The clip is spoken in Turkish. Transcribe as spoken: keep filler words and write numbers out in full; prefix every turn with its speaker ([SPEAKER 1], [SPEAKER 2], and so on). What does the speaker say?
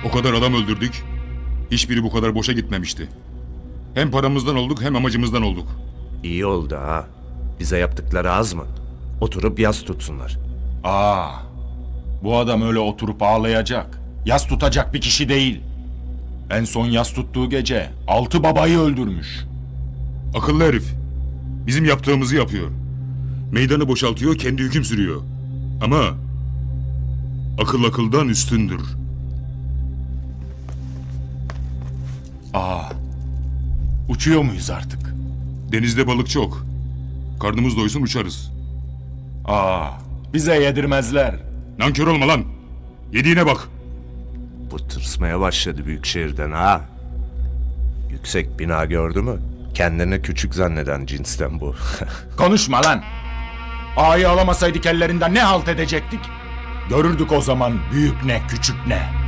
[SPEAKER 1] O kadar adam öldürdük. Hiçbiri bu kadar boşa gitmemişti. Hem paramızdan olduk hem amacımızdan olduk.
[SPEAKER 2] İyi oldu ha. Bize yaptıkları az mı? Oturup yas tutsunlar.
[SPEAKER 3] Aa, bu adam öyle oturup ağlayacak, yas tutacak bir kişi değil. En son yas tuttuğu gece altı babayı öldürmüş.
[SPEAKER 1] Akıllı herif. Bizim yaptığımızı yapıyor. Meydanı boşaltıyor, kendi hüküm sürüyor. Ama akıl akıldan üstündür.
[SPEAKER 3] Aa, uçuyor muyuz artık?
[SPEAKER 1] Denizde balık çok. Karnımız doysun uçarız.
[SPEAKER 3] Aa, bize yedirmezler.
[SPEAKER 1] Nankör olma lan. Yediğine bak.
[SPEAKER 2] Bu tırsmaya başladı büyük şehirden ha. Yüksek bina gördü mü? Kendini küçük zanneden cinsten bu.
[SPEAKER 3] Konuşma lan. Ağayı alamasaydık ellerinden ne halt edecektik? Görürdük o zaman büyük ne küçük ne.